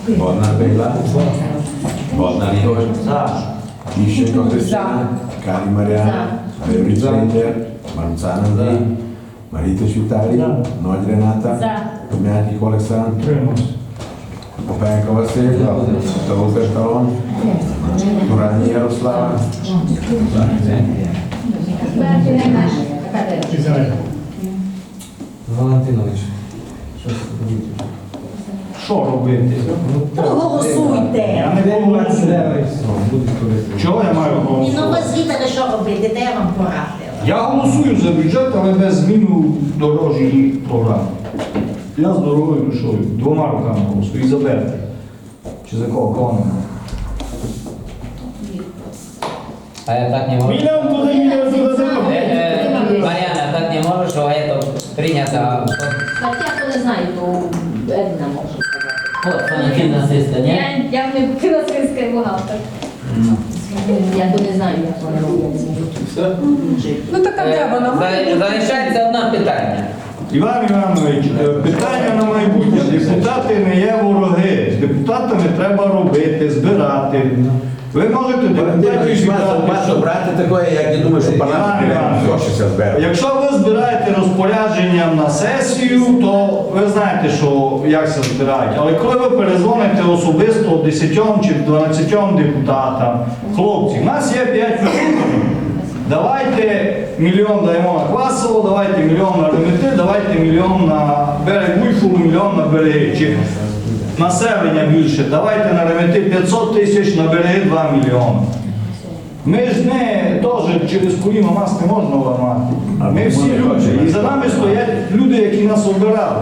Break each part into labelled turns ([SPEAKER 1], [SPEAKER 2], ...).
[SPEAKER 1] Боднар Бейла, Боднар Ігор, Іщенко Христина, Карі Маріана, Григорій Центр, Маруцан Андрій, Марітич Віталій, Нодь Рената, Том'ятник Олександр, Попенко Василь, Толук Арталон, Турані Ярослава.
[SPEAKER 2] Валентинович, щось робити.
[SPEAKER 3] Що робити?
[SPEAKER 4] Проголосуйте.
[SPEAKER 3] Я не голосую. Чого я маю
[SPEAKER 4] Ну,
[SPEAKER 3] голосувати?
[SPEAKER 4] ви звідти що робити, де я вам порадила.
[SPEAKER 3] Я голосую за бюджет, але без зміни дорожньої програми. Я з дорогою душою. Двома руками голосую. І за Берти. Чи за кого не?
[SPEAKER 2] А я так не можу.
[SPEAKER 3] Мільйон туди, мільйон туди.
[SPEAKER 2] Мар'яна, так не можу, що це прийнято.
[SPEAKER 4] Так я то не знаю, то Една може сказати.
[SPEAKER 2] От, Валентина Сиска, ні?
[SPEAKER 5] Я не фінансистський бухгалтер.
[SPEAKER 4] Я то не знаю, як вони роблять.
[SPEAKER 6] Ну така треба нам.
[SPEAKER 2] Залишається одне питання.
[SPEAKER 3] Іван Іванович, питання на майбутнє. Депутати не є вороги. З депутатами треба робити, збирати. Ви можете депутатів збирати.
[SPEAKER 1] Брати такое, як я думаю, що парламент гроші збере.
[SPEAKER 3] Якщо ви збираєте розпорядженням на сесію, то ви знаєте, що як це збирають. Але коли ви перезвоните особисто 10 чи 12 депутатам, хлопці, в нас є 5 мільйонів. Давайте мільйон даємо на Квасово, давайте мільйон на Ремети, давайте мільйон на берег Буйфулу, мільйон на береги. Чи населення більше, давайте на Ремети 500 тисяч, на береги 2 мільйони. Ми ж не теж через коліно нас не можна ламати. Ми всі люди. І за нами стоять люди, які нас обирали.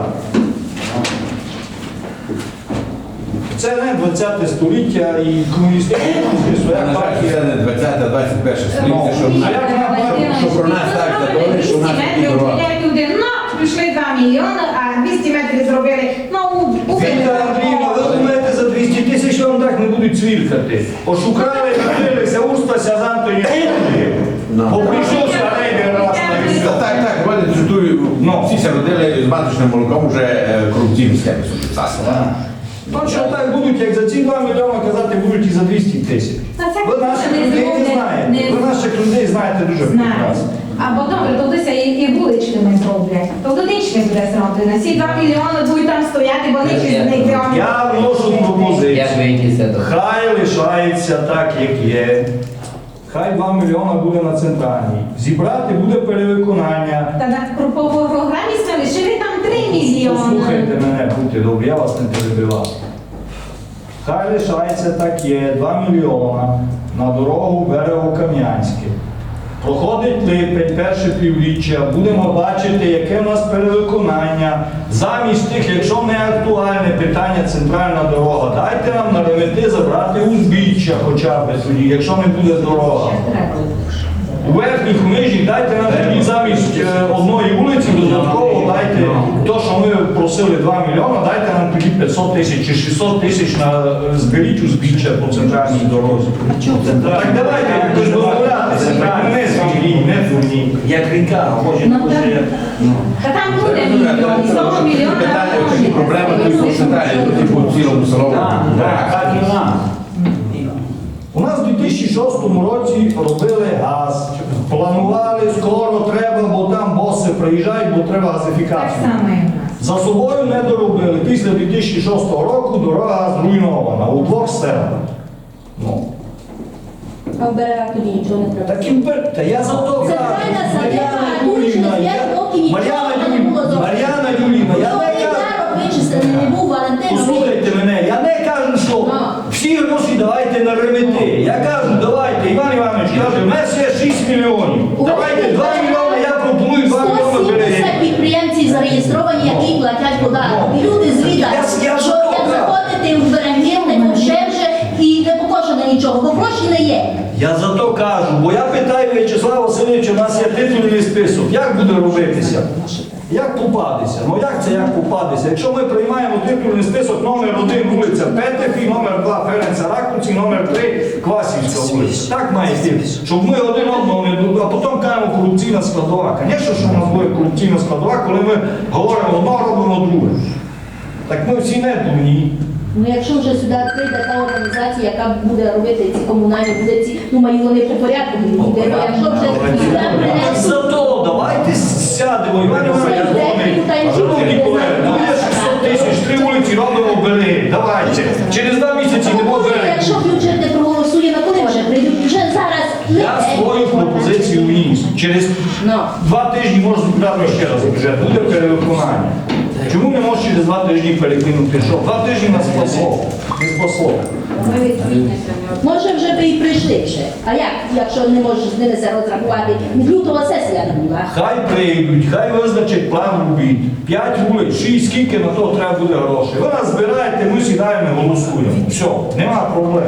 [SPEAKER 3] Це не 20 століття і комуністична своя
[SPEAKER 1] На жаль,
[SPEAKER 3] партія.
[SPEAKER 1] це не 20-21 століття, що про нас так задоволені, що в нас такі дороги.
[SPEAKER 5] Ну, пішли 2 мільйони, а 200 метрів зробили. Ну,
[SPEAKER 3] Віктор Андріївна, ви думаєте, за 200 тисяч вам так не будуть цвіркати? Ошукали, відкрилися, устася з Антоні. Бо прийшов старий раз на військо.
[SPEAKER 1] Так, вони чутую, всі се родили з маточним молоком, вже корупційні схеми собі цасили.
[SPEAKER 3] Точно так будуть, як за ці 2 мільйони казати, будуть і за 200 тисяч. Ви наших людей не знаєте. Ви наших людей знаєте дуже прекрасно.
[SPEAKER 5] Або добре, то десь і вуличними зроблять. То вуличні буде зроблено. Всі 2 мільйони будуть там стояти, бо них з них прямо.
[SPEAKER 3] Я вношу пропозицію.
[SPEAKER 2] Як ви якісь це?
[SPEAKER 3] Хай лишається так, як є. Хай 2 мільйони буде на центральній. Зібрати буде перевиконання.
[SPEAKER 5] Та на по програмі сказали, що ви там 3 мільйони.
[SPEAKER 3] Послухайте мене, будьте добрі, я вас не перебивав. Хай лишається так є, 2 мільйона на дорогу Берего-Кам'янське. Проходить липень, перше півріччя, будемо бачити, яке в нас перевиконання. Замість тих, якщо не актуальне питання центральна дорога, дайте нам на Ремети забрати узбіччя хоча б тоді, якщо не буде дорога. У верхніх нижніх дайте нам тоді замість одної вулиці додатково дайте то, що ми просили 2 мільйони, дайте нам тоді 500 тисяч чи 600 тисяч на зберіть узбіччя по центральній дорозі. Так давайте якось дозволятися, так не звільніть, не дурні.
[SPEAKER 7] Як ріка, може,
[SPEAKER 5] Та там буде мільйон, 100 мільйонів.
[SPEAKER 1] Питання, такі проблеми, то в централі, по цілому селовому.
[SPEAKER 7] так і нам.
[SPEAKER 3] У нас у 2006 році робили газ. Планували, скоро треба, бо там боси приїжджають, бо треба
[SPEAKER 5] Так
[SPEAKER 3] газифікацію.
[SPEAKER 5] само і в нас.
[SPEAKER 3] За собою не доробили. Після 2006 року дорога зруйнована у 2 селах. Ну.
[SPEAKER 4] А в берегах тоді нічого не треба.
[SPEAKER 3] Таким та я за то кажу.
[SPEAKER 4] Центральна
[SPEAKER 3] Мар'яна
[SPEAKER 4] садиба,
[SPEAKER 3] Юріївна,
[SPEAKER 4] через 5 років нічого не було зроблено.
[SPEAKER 3] Мар'яна Юріївна, я не кажу.
[SPEAKER 4] Вичислений не був, Валентин.
[SPEAKER 3] Послухайте мене, я не кажу, що всі гроші давайте на Ремети. Я кажу, давайте, Іван Іванович каже, в нас є 6 мільйонів. Давайте 2 мільйони, я пропоную 2 мільйони
[SPEAKER 4] 170
[SPEAKER 3] берегів.
[SPEAKER 4] підприємців зареєстровані, які платять податок. І люди звідать,
[SPEAKER 3] Я
[SPEAKER 4] що як заходити в берегів, не ковшевже і не покошено нічого, бо гроші не є.
[SPEAKER 3] Я за то кажу, бо я питаю В'ячеслава Васильовича, у нас є титульний список, як буде робитися? Як попадеться? Ну як це як попадеться? Якщо ми приймаємо титульний список, номер 1 вулиця Петефі, номер 2 Ференца Ракуці, номер 3 Квасівська вулиця. Так має йти, щоб ми один одного не думали, а потім кажемо корупційна складова. Звісно, що в нас буде корупційна складова, коли ми говоримо одно, робимо друге. Так ми всі не дурні.
[SPEAKER 4] Ну якщо вже сюди прийде та організація, яка буде робити ці комунальні вулиці, думаю, вони по порядку будуть йти. Ну, якщо вже сюди принесуть...
[SPEAKER 3] Зато давайте сядемо, Іван Іванович, шановні колеги, ну є 600 тисяч, 3 вулиці робимо, бери, давайте. Через 2 місяці не
[SPEAKER 4] Може,
[SPEAKER 3] буде.
[SPEAKER 4] якщо бюджет не проголосує, на коли вже прийдуть? Вже зараз не
[SPEAKER 3] Я свою пропозицію вніс. Через
[SPEAKER 4] Ну.
[SPEAKER 3] 2 тижні можна збирати ще раз бюджет, буде перевиконання. Чому не можеш через 2 тижні перекинути? Що? 2 тижні нас спасло. Не спасло.
[SPEAKER 4] Може вже би і прийшли ще. А як, якщо не можеш з ними це розрахувати? Лютова сесія не була.
[SPEAKER 3] Хай прийдуть, хай визначать план робіт. 5 вулиць, 6, скільки на то треба буде грошей. Ви нас збираєте, ми сідаємо і голосуємо. Все, нема проблем.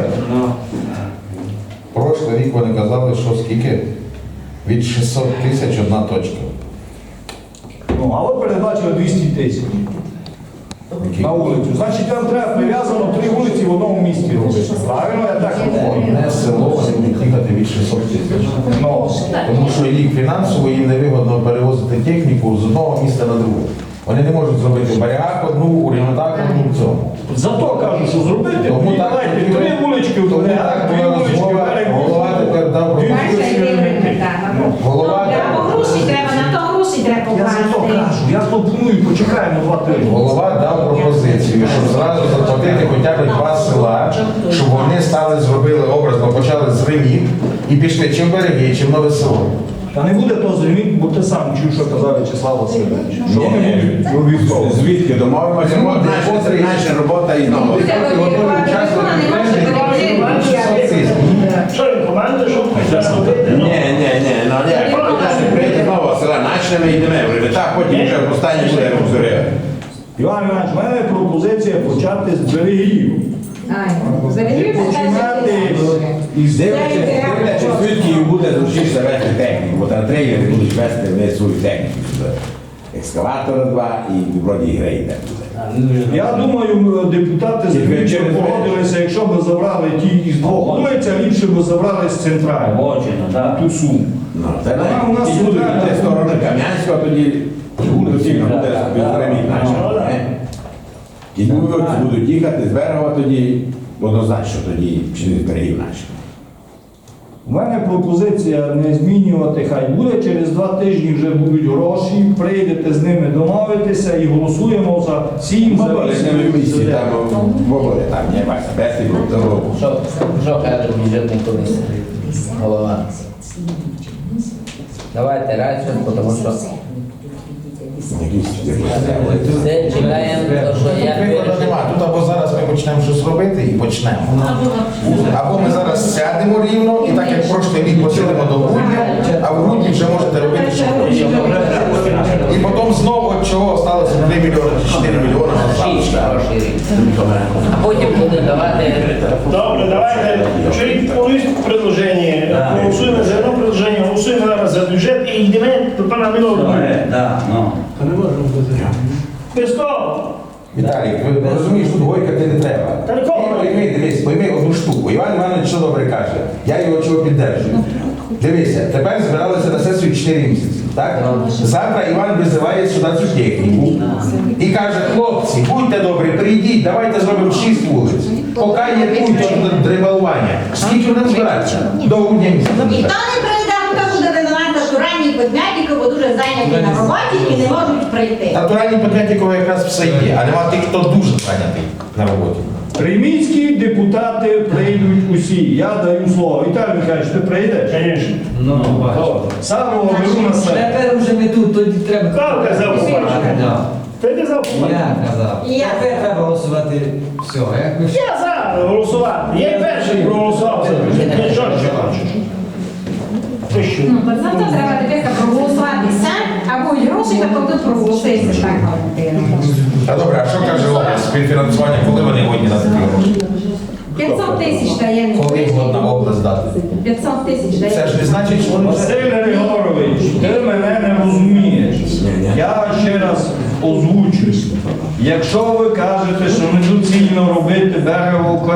[SPEAKER 8] Прошлий рік вони казали, що скільки? Від 600 тисяч одна точка.
[SPEAKER 3] Ну, а ви передбачили 200 тисяч на вулицю. Значить, вам треба прив'язано 3 вулиці в одному місті робити. Правильно, я так розумію?
[SPEAKER 8] Одне село вони будуть їхати від 600 тисяч.
[SPEAKER 3] Ну,
[SPEAKER 8] Тому що рік фінансово їм невигодно перевозити техніку з одного міста на друге. Вони не можуть зробити в Барягах одну, у Рівнодах одну в цьому.
[SPEAKER 3] зато кажу, що зробити.
[SPEAKER 8] Тому
[SPEAKER 3] І
[SPEAKER 8] так,
[SPEAKER 3] давайте
[SPEAKER 8] тоді
[SPEAKER 3] 3 вулички в
[SPEAKER 8] тому
[SPEAKER 3] Барягах,
[SPEAKER 8] так
[SPEAKER 3] 2 вулички в
[SPEAKER 8] голова тепер дав
[SPEAKER 3] Дві
[SPEAKER 8] пропозицію.
[SPEAKER 5] Бачите,
[SPEAKER 3] вулички
[SPEAKER 5] який
[SPEAKER 3] робити.
[SPEAKER 5] результат.
[SPEAKER 8] Голова
[SPEAKER 5] Або гроші треба, на то гроші треба
[SPEAKER 3] Я за то
[SPEAKER 5] покласти.
[SPEAKER 3] кажу, я пропоную, почекаємо 2 тижні.
[SPEAKER 8] Голова дав пропозицію, щоб зразу заплатити хоча б 2 села, щоб вони стали, зробили образно, почали з Римів і пішли чим береги, чим нове село.
[SPEAKER 3] Та не буде то зрівніть, бо ти сам чув, що казав Вячеслав Васильович. Що вони
[SPEAKER 1] Ні,
[SPEAKER 3] будуть у вівторок.
[SPEAKER 1] Звідки домовимося? Наша робота і знову.
[SPEAKER 7] Що він команда, що це робити?
[SPEAKER 1] Ні, ну ні, прийде знову села, начнемо і йдемо. Вже так, потім вже останнє буде розоряти.
[SPEAKER 3] Іван Іванович, в мене пропозиція почати з берегів. Починати із
[SPEAKER 1] Дивлячись, звідки їм буде зручніше вести техніку, бо там трейлери будуть вести вони свою техніку сюди. Екскаватора 2 і вроді і грейдер.
[SPEAKER 3] Я думаю, депутати з Львівщини погодилися, якщо б забрали ті із 2 вулиць, а ліпше б забрали з центральної.
[SPEAKER 7] Очено, так.
[SPEAKER 3] Ту суму.
[SPEAKER 1] Ну, це
[SPEAKER 3] Вона у нас
[SPEAKER 1] і будуть
[SPEAKER 3] центральна
[SPEAKER 1] йти сторони
[SPEAKER 3] вулиця.
[SPEAKER 1] Кам'янського, тоді доцільно буде безреміть наче. І будуть їхати з берега тоді, однозначно тоді, чи не з берегів наче.
[SPEAKER 3] У мене пропозиція не змінювати, хай буде, через 2 тижні вже будуть гроші, прийдете з ними домовитися і голосуємо за 7, за
[SPEAKER 1] Мобили з ними в місті,
[SPEAKER 3] 8.
[SPEAKER 1] там мобили, там не бачите, без типу,
[SPEAKER 2] Що каже бюджетний комісія? Голова. Давайте радше, тому що все чекаємо, то що я
[SPEAKER 8] Прикладу нема. Тут або зараз ми почнемо щось робити і почнемо. Або ми зараз сядемо рівно і так як прошлий рік посидимо до грудня, а в грудні вже можете робити, що хочете. І потім знову от чого сталося 3 мільйони чи 4 мільйони на
[SPEAKER 2] шість
[SPEAKER 8] завтра.
[SPEAKER 2] хороший рік. А потім буде давати.
[SPEAKER 7] Добре, давайте. Чоловік повністю предложення. Голосуємо за одне предложення, голосуємо зараз за бюджет і йдемо до пана Мілова.
[SPEAKER 9] Так, ну.
[SPEAKER 7] Без того.
[SPEAKER 8] Віталій, ви розумієш, тут гойкати не треба.
[SPEAKER 7] Та нікого.
[SPEAKER 8] Пойми одну штуку. Іван Іванович що добре каже. Я його чого піддержую. Дивися, тепер збиралися на сесію 4 місяці. Так? Завтра Іван визиває сюди цю техніку і каже, хлопці, будьте добрі, прийдіть, давайте зробимо 6 вулиць. Поки є пункт дрибалування. Скільки будемо збиратися? До грудня місяця.
[SPEAKER 10] Ніхто не прийде, хто буде винувати натуральні підмятники, бо дуже зайняті на роботі і не можуть прийти.
[SPEAKER 8] Натуральні підметникова якраз все є, а нема тих, хто дуже зайнятий на роботі.
[SPEAKER 3] Приміські депутати прийдуть усі. Я даю слово. Віталій Михайлович, ти прийдеш?
[SPEAKER 7] Звісно.
[SPEAKER 9] Ну, бачиш.
[SPEAKER 3] Самого беру на себе.
[SPEAKER 9] Тепер вже не тут, тоді треба.
[SPEAKER 7] Хто казав побачити? Ти казав побачити?
[SPEAKER 9] Я казав.
[SPEAKER 10] Я.
[SPEAKER 9] Тепер треба голосувати все. Як ви
[SPEAKER 7] Я за голосувати. Я й перший проголосував за бюджет. Ти що ще хочеш? Ти що?
[SPEAKER 5] Ну, так за то треба тепер проголосуватися, або й гроші, та тоді проголосується так.
[SPEAKER 8] А добре, а що каже область співфінансування, коли вони годні на такі гроші?
[SPEAKER 5] 500 тисяч дає.
[SPEAKER 8] Коли годна область дати?
[SPEAKER 5] 500 тисяч дає.
[SPEAKER 8] Це ж не значить, що вони вже...
[SPEAKER 3] Василь Григорович, ти мене не розумієш. Я ще раз озвучусь. Якщо ви кажете, що недоцільно робити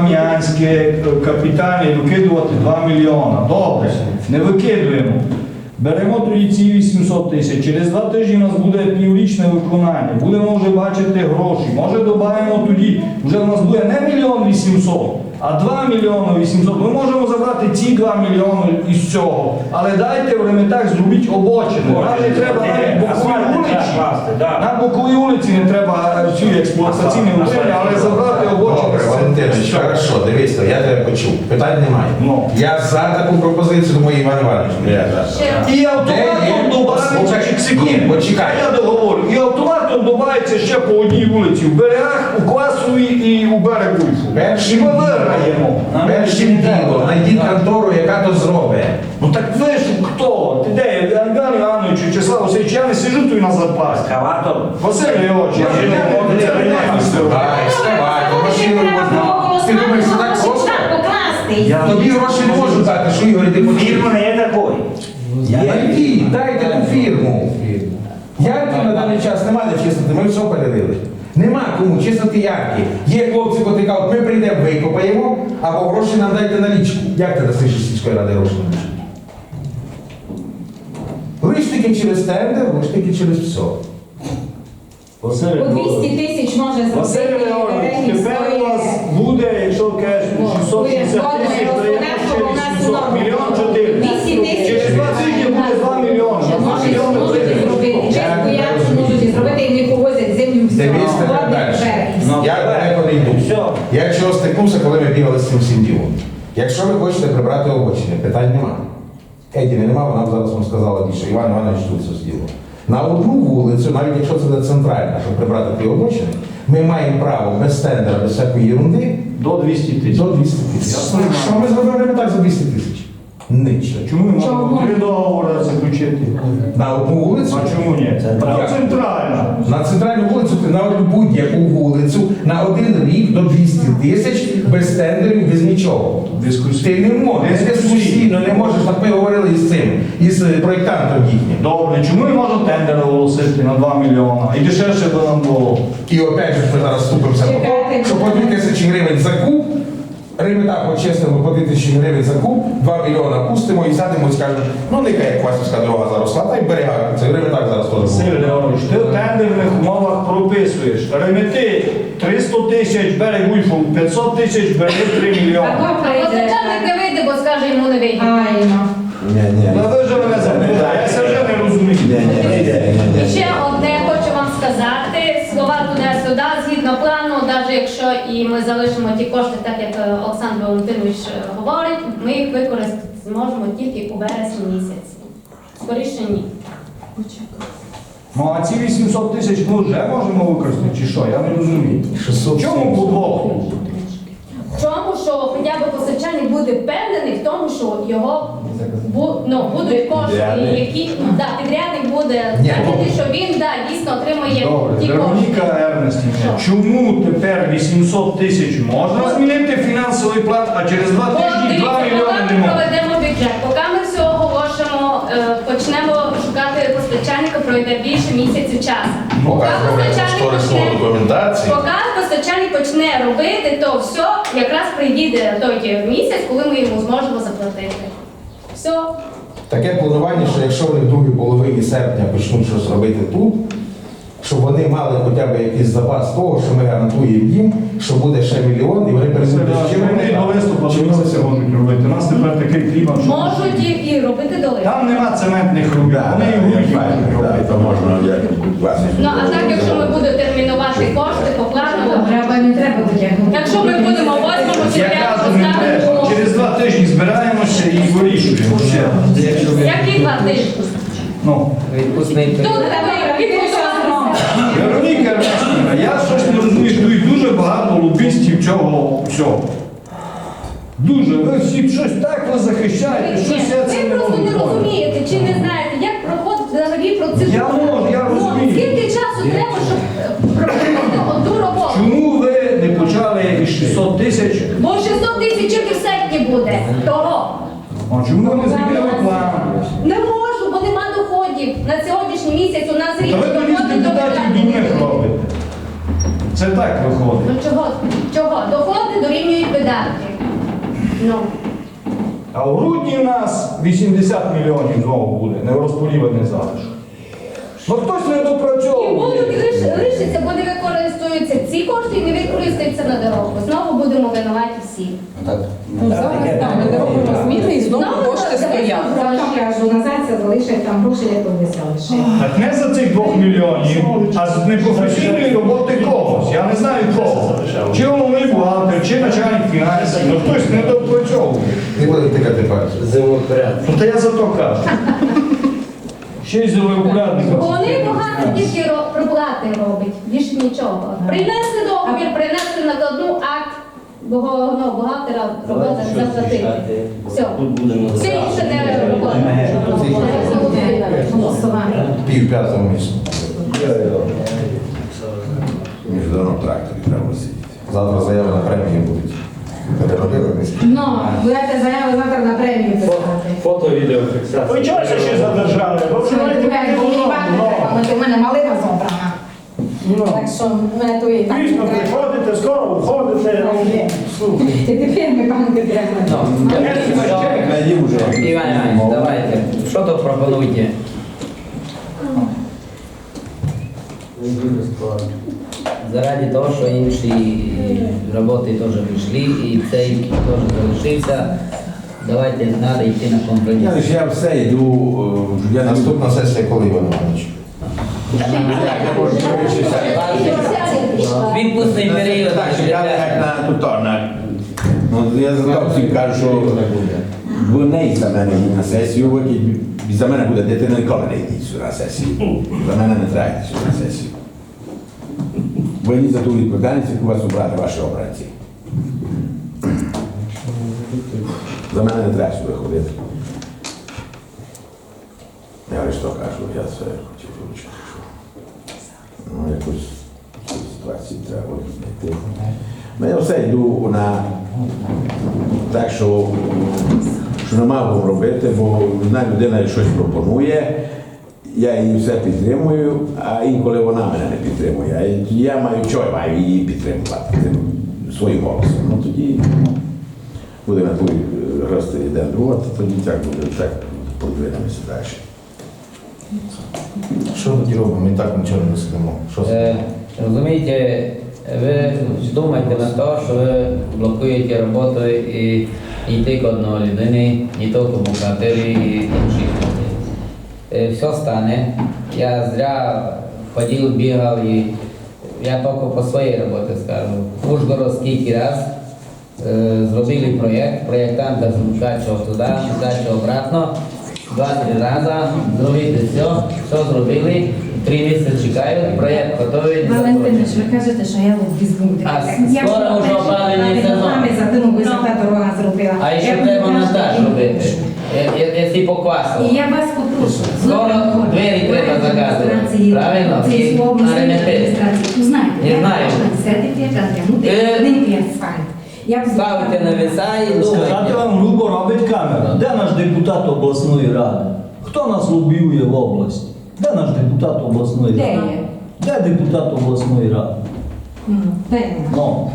[SPEAKER 3] Берегово-Кам'янське капітальне і викидувати 2 мільйона, добре, не викидуємо. Беремо тоді ці 800 тисяч. Через 2 тижні у нас буде піврічне виконання. Будемо вже бачити гроші. Може додаємо тоді, вже у нас буде не 1 800 000, а 2 800 000. Ми можемо забрати ці 2 мільйони із цього. Але дайте в Реметах зробіть обочини. Нам не треба навіть бокові вулиці. На боковій вулиці не треба цю експлуатаційну утримання, але забрати обочини.
[SPEAKER 8] Добре, Валентинович, хорошо, дивіться, я тебе почув. Питань немає.
[SPEAKER 3] Ну.
[SPEAKER 8] Я за таку пропозицію, тому Іван Іванович. Я за.
[SPEAKER 3] І автоматом додається,
[SPEAKER 8] Почекай.
[SPEAKER 3] я договорю, і автоматом додається ще по одній вулиці, в берегах, у Квасовій і у Берегульфу. І ми виграємо.
[SPEAKER 8] Першим ділом, знайдіть контору, яка то зробить.
[SPEAKER 3] Ну так ви ж хто? Ти де? Іван Іванович, Вячеслав Васильович, я не сиджу тут на зарплаті.
[SPEAKER 7] Ескаватор.
[SPEAKER 3] Василь Леонідович, я ж не можу, це не
[SPEAKER 8] Екскаватор, машину можна. Ти думаєш, це так просто? Тобі гроші не можуть дати, що Ігор, ти потрібно.
[SPEAKER 7] Фірма не є такою.
[SPEAKER 8] Найдіть, дайте ту фірму. Ярки на даний час нема де чистити, ми все перерили. Нема кому чистити ярки. Є хлопці, котрі кажуть, ми прийдемо, викопаємо, або гроші нам дайте налічку. Як ти дасиш із сільської ради гроші на налічку? Лиш тільки через тендер, лиш тільки через все.
[SPEAKER 3] Василь
[SPEAKER 5] По
[SPEAKER 3] Леонідович.
[SPEAKER 5] 200 тисяч може
[SPEAKER 3] Василь
[SPEAKER 5] зробити.
[SPEAKER 3] Леонідович, тепер у вас буде, якщо кажеш, 660 тисяч, то є ще 800, мільйон 4.
[SPEAKER 5] 200 тисяч.
[SPEAKER 3] Через 2 тижні буде 2 мільйони. 2 мільйони
[SPEAKER 5] Можуть зробити. Чесно, я можуть зробити і не повозять землю в
[SPEAKER 8] Дивіться тепер далі. Я далеко не йду. Я чого стикнувся, коли ми бігали з цим всім ділом. Якщо ви хочете прибрати обочини, питань нема. Едіни нема, вона б зараз вам сказала більше. Іван Іванович тут все зділо. На одну вулицю, навіть якщо це буде центральна, щоб прибрати ті обочини, ми маємо право без тендера, без всякої ерунди
[SPEAKER 3] до 200 тисяч.
[SPEAKER 8] до 200 тисяч. Що ми зробили так за 200 тисяч? Нічого.
[SPEAKER 3] Чому ми можемо 3 договори заключити?
[SPEAKER 8] На одну вулицю?
[SPEAKER 3] А чому ні? Центральна.
[SPEAKER 8] На центральну вулицю, ти на будь-яку вулицю на 1 рік до 200 тисяч без тендерів, без нічого. Ти не можеш, дискусійно не можеш, так ми говорили із цим, із проєктантом їхнім.
[SPEAKER 3] Добре, чому ми можемо тендер оголосити на 2 мільйона? І дешевше би нам було.
[SPEAKER 8] І опять же ми зараз ступимося по тому, що по 2000 гривень за куб, Ремета почеснемо по 2000 гривень за куб, 2 мільйона пустимо і сядемо і скажемо, ну нехай як Квасівська дорога заросла, та й берега, це Реметак зараз теж
[SPEAKER 3] Василь
[SPEAKER 8] буде.
[SPEAKER 3] Леонідович, ти в тендерних умовах прописуєш. Ремети 300 тисяч, берег Ульфу 500 тисяч, береги 3 мільйони.
[SPEAKER 4] Позичальник не вийде, бо скаже, йому не вийде.
[SPEAKER 3] Та ви вже мене запитали, я це вже не розумію.
[SPEAKER 4] І ще одне хочу вам сказати, слова туди-сюди, згідно плану, навіть якщо і ми залишимо ті кошти, так як Олександр Валентинович говорить, ми їх використати зможемо тільки у вересні місяці. Скоріше ні.
[SPEAKER 3] Ну а ці 800 тисяч ми вже можемо використати, чи що? Я не розумію.
[SPEAKER 8] 600
[SPEAKER 3] Чому по двох?
[SPEAKER 4] В чому, що хоча б постачальник буде впевнений в тому, що його будуть кошти, які підрядник буде знати, що він дійсно отримає
[SPEAKER 3] Добре,
[SPEAKER 4] ті кошти.
[SPEAKER 3] Вероніка Ернестівна, чому тепер 800 тисяч можна змінити фінансовий план, а через 2 тижні 2
[SPEAKER 4] Поки
[SPEAKER 3] мільйони не
[SPEAKER 4] ми
[SPEAKER 3] можна?
[SPEAKER 4] проведемо бюджет, поки ми все оголошимо, почнемо шукати постачальника, пройде більше місяців часу.
[SPEAKER 8] Поки зроблять кошторисну документацію.
[SPEAKER 4] Поки постачальник почне робити, то все якраз прийде той місяць, коли ми йому зможемо заплатити. Все.
[SPEAKER 8] Таке планування, що якщо вони в другій половині серпня почнуть щось робити тут, щоб вони мали хоча б якийсь запас того, що ми гарантуємо їм, що буде ще мільйон, і вони перейдуть з чим
[SPEAKER 3] Вони до листопада місяця можуть робити. У нас тепер такий клімат, що
[SPEAKER 4] Можуть і робити доли.
[SPEAKER 3] там нема цементних робіт, вони і будуть робити.
[SPEAKER 1] То можна як
[SPEAKER 4] Ну а так, якщо ми будемо термінувати кошти по плану,
[SPEAKER 5] Треба, не треба витягнути.
[SPEAKER 4] якщо ми будемо 8-му
[SPEAKER 3] Я
[SPEAKER 4] сім'я
[SPEAKER 3] кажу, не треба.
[SPEAKER 4] поставити,
[SPEAKER 3] Через 2 тижні збираємося і вирішуємо. Ще.
[SPEAKER 4] які 2 тижні?
[SPEAKER 3] Ну.
[SPEAKER 2] Відпускний
[SPEAKER 4] Тут
[SPEAKER 2] період.
[SPEAKER 4] треба підготуватися.
[SPEAKER 3] Вероніка Ернестівна, я щось не розумію, що тут дуже багато лобістів цього всього. Дуже. Ви всі щось так ви захищаєте, щось я це
[SPEAKER 4] Ви
[SPEAKER 3] не
[SPEAKER 4] просто
[SPEAKER 3] можу
[SPEAKER 4] не
[SPEAKER 3] поняти.
[SPEAKER 4] розумієте чи не знаєте, як проходить взагалі процедура.
[SPEAKER 3] Я можу, я розумію.
[SPEAKER 4] Скільки часу треба, щоб проводити одну роботу?
[SPEAKER 3] Чому ви не почали із 600 тисяч?
[SPEAKER 4] Бо 600 тисяч тільки в серпні буде. Того.
[SPEAKER 3] А чому ви не змінили план?
[SPEAKER 4] Не можу, бо нема доходів. На сьогоднішній місяць у нас річ
[SPEAKER 3] Та ви тоді з
[SPEAKER 4] доходи до
[SPEAKER 3] депутатів дурних робите. Це так виходить.
[SPEAKER 4] Ну чого? Чого? Доходи дорівнюють видатки. Ну.
[SPEAKER 3] А в грудні у нас 80 мільйонів знову буде, нерозподілений залишок. Ну хтось не
[SPEAKER 4] І
[SPEAKER 3] допрацьовує.
[SPEAKER 4] будуть лишиться, буде використовуються ці кошти і не використаються на дорогу. Знову будемо винуваті всі.
[SPEAKER 6] Ну, зараз там ми робимо зміни і знову кошти стоять.
[SPEAKER 5] Зато кажу, назад це залишать там гроші, як вони залишать.
[SPEAKER 3] Так не за цих 2 мільйонів, а з непрофесійної роботи когось. Я не знаю кого. Чи головний бухгалтер, чи начальник фінансів, ну хтось не допрацьовує.
[SPEAKER 8] Не буде тикати пальцем.
[SPEAKER 2] Землепорядок.
[SPEAKER 3] Ну то я за то кажу. Ще й землепорядника.
[SPEAKER 4] Вони багато тільки проплати роблять, більше нічого. Принесли договір, принесли накладну акт бухгалтера робота заплатити. Все. Все інше не робота.
[SPEAKER 5] Голосування.
[SPEAKER 8] Пів п'ятого місяця.
[SPEAKER 1] Міжнародному тракторі треба сидіти.
[SPEAKER 8] Завтра заяви на премії будуть. Переробили місяць.
[SPEAKER 5] Ну, будете заяви завтра на премію писати.
[SPEAKER 9] Фото, відеофіксація.
[SPEAKER 7] Ви чогося ще задержали? Ви
[SPEAKER 5] Що
[SPEAKER 7] вживаєте
[SPEAKER 5] тебе у мене малина зобрана. Так що мене то і так.
[SPEAKER 7] Пізно приходите, скоро входите.
[SPEAKER 5] І тепер ми банки треба.
[SPEAKER 1] Найдім уже.
[SPEAKER 2] Іван Іванович, давайте, що то пропонуйте? Заради того, що інші роботи теж вийшли і цей теж залишився, давайте треба йти на компроміс.
[SPEAKER 1] Я лише я все йду, я
[SPEAKER 8] Наступна сесія коли, Іван Іванович?
[SPEAKER 1] Я можу вирішитися.
[SPEAKER 2] Відпускний період.
[SPEAKER 1] Так, чекали як на туторна. Я за то всім кажу, що ви не йдіть за мене на сесію, ви за мене буде дитина, ніколи не йдіть сюди на сесію. За мене не треба йти сюди на сесію. Ви йдіть за ту відповідальність, яку вас обрати ваші обранці. За мене не треба сюди ходити. Я лише то кажу, я це хотів вивчити, що ну, якусь ситуацію треба знайти. Я все йду на так, що не мав робити, бо одна людина щось пропонує, я її все підтримую, а інколи вона мене не підтримує. А тоді я маю, що я маю її підтримувати своїм голосом. Ну тоді буде на той рости один друга, то тоді так буде, так подвинемося далі.
[SPEAKER 8] Що тоді робимо? Ми так нічого не сидимо. Що це?
[SPEAKER 2] Розумієте, ви думаєте на те, що ви блокуєте роботу і йти к одної людини, не тільки бухгалтерії і інших людей. Все стане. Я зря ходив, бігав і я тільки по своїй роботі скажу. В Ужгород скільки раз зробили проєкт, проєктанта скачував туди, скачував обратно. 2-3 рази, зробити все зробили, 3 місяці чекають, проєкт готовий.
[SPEAKER 5] Валентинович, ви кажете, що я візьму.
[SPEAKER 2] А скоро вже опалений сезон.
[SPEAKER 5] За тим, ви за та дорога зробила.
[SPEAKER 2] А ще треба монтаж робити, якщо по квасу.
[SPEAKER 5] І я вас попрошу.
[SPEAKER 2] Скоро двері треба заказувати. Правильно? І на ремонти.
[SPEAKER 5] Знаєте,
[SPEAKER 2] Не знаю.
[SPEAKER 5] один асфальт.
[SPEAKER 2] Ставите на веса і
[SPEAKER 3] Сказати
[SPEAKER 2] думайте.
[SPEAKER 3] вам грубо робить камера. Де наш депутат обласної ради? Хто нас лобіює в області? Де наш депутат обласної
[SPEAKER 5] Де
[SPEAKER 3] ради?
[SPEAKER 5] є?
[SPEAKER 3] Де депутат обласної ради?
[SPEAKER 5] Де є?
[SPEAKER 3] Ну.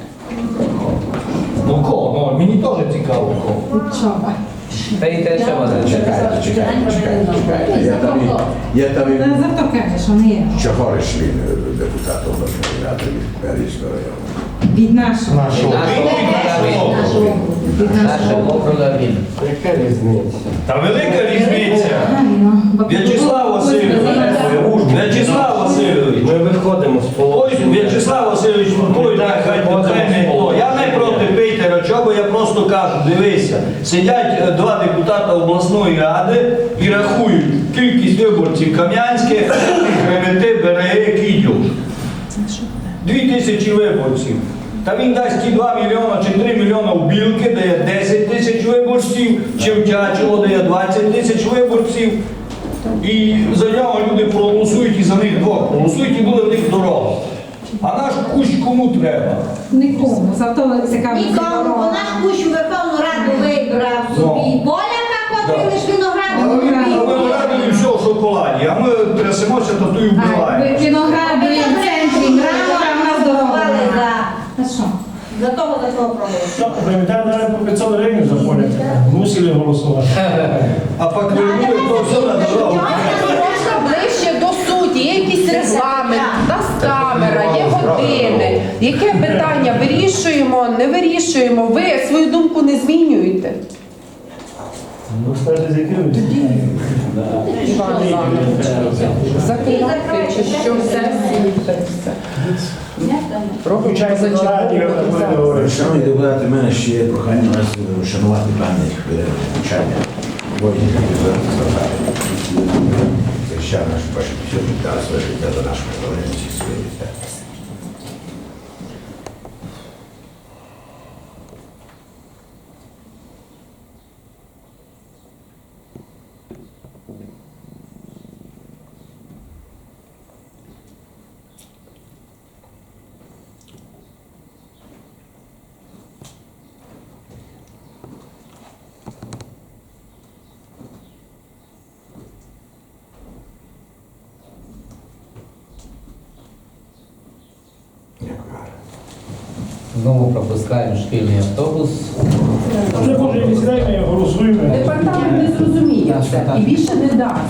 [SPEAKER 3] Ну кого? Ну, мені теж цікаво кого.
[SPEAKER 5] Чого?
[SPEAKER 2] Та й те, що вона.
[SPEAKER 1] Чекайте. Я там і
[SPEAKER 5] За то каже, що не є.
[SPEAKER 1] Чохориш він депутат обласної ради Берізького району.
[SPEAKER 5] Від нашого.
[SPEAKER 2] Наша округа він.
[SPEAKER 9] Яка різниця?
[SPEAKER 3] Та велика різниця. В'ячеслав Васильович. В'ячеслав Васильович.
[SPEAKER 9] Ми виходимо з
[SPEAKER 3] Ой,
[SPEAKER 9] положення.
[SPEAKER 3] В'ячеслав Васильович, той нехай не то. Я не проти Пейтера, чого я просто кажу, дивися, сидять 2 депутата обласної ради і рахують кількість виборців Кам'янських, Кременти, Береги, Кідьов. 2000 виборців. Та він дасть ті 2 мільйона чи 3 мільйона в Білки, де є 10 тисяч виборців, чи в Чачово, де є 20 тисяч виборців. І за нього люди проголосують і за них двох проголосують, і буде в них дорога. А наш кущ кому треба?
[SPEAKER 5] Нікому. Зато цікаво.
[SPEAKER 10] Нікому, бо наш кущ у Верховну Раду вибрав собі поляка, котрий лиш винограду
[SPEAKER 3] А
[SPEAKER 10] робив.
[SPEAKER 3] винограду і все в шоколаді, а ми трясемося та ту і вбиваємо.
[SPEAKER 5] Винограду і в центрі, мрамора, в нас дорога.
[SPEAKER 10] Голосували
[SPEAKER 5] нема.
[SPEAKER 10] за.
[SPEAKER 5] Та що?
[SPEAKER 10] За того проголосували.
[SPEAKER 7] Ну, пам'ятаю, навіть по 500 гривень за поля. Мусили голосувати.
[SPEAKER 3] А пак вернули то все на дорогу.
[SPEAKER 6] Можна ближче до суті, є якийсь регламент, у нас камера, є години. Яке питання вирішуємо, не вирішуємо? Ви свою думку не змінюєте.
[SPEAKER 7] Ну, скажете, з яким?
[SPEAKER 6] Іван Іванович, закривати чи що сесію, так все.
[SPEAKER 7] Включайте на радіо, там буде говорити.
[SPEAKER 1] Шановні депутати, в мене ще є прохання вас вшанувати пам'ять навчання воїнів, які зараз страждали. Захищав нашу батьківщину, дали своє життя за нашу незалежність і своє життя.
[SPEAKER 2] Знову пропускаємо шкільний автобус.
[SPEAKER 7] Вже може і сідаємо, голосуємо.
[SPEAKER 6] Департамент не зрозуміє це і більше не дасть.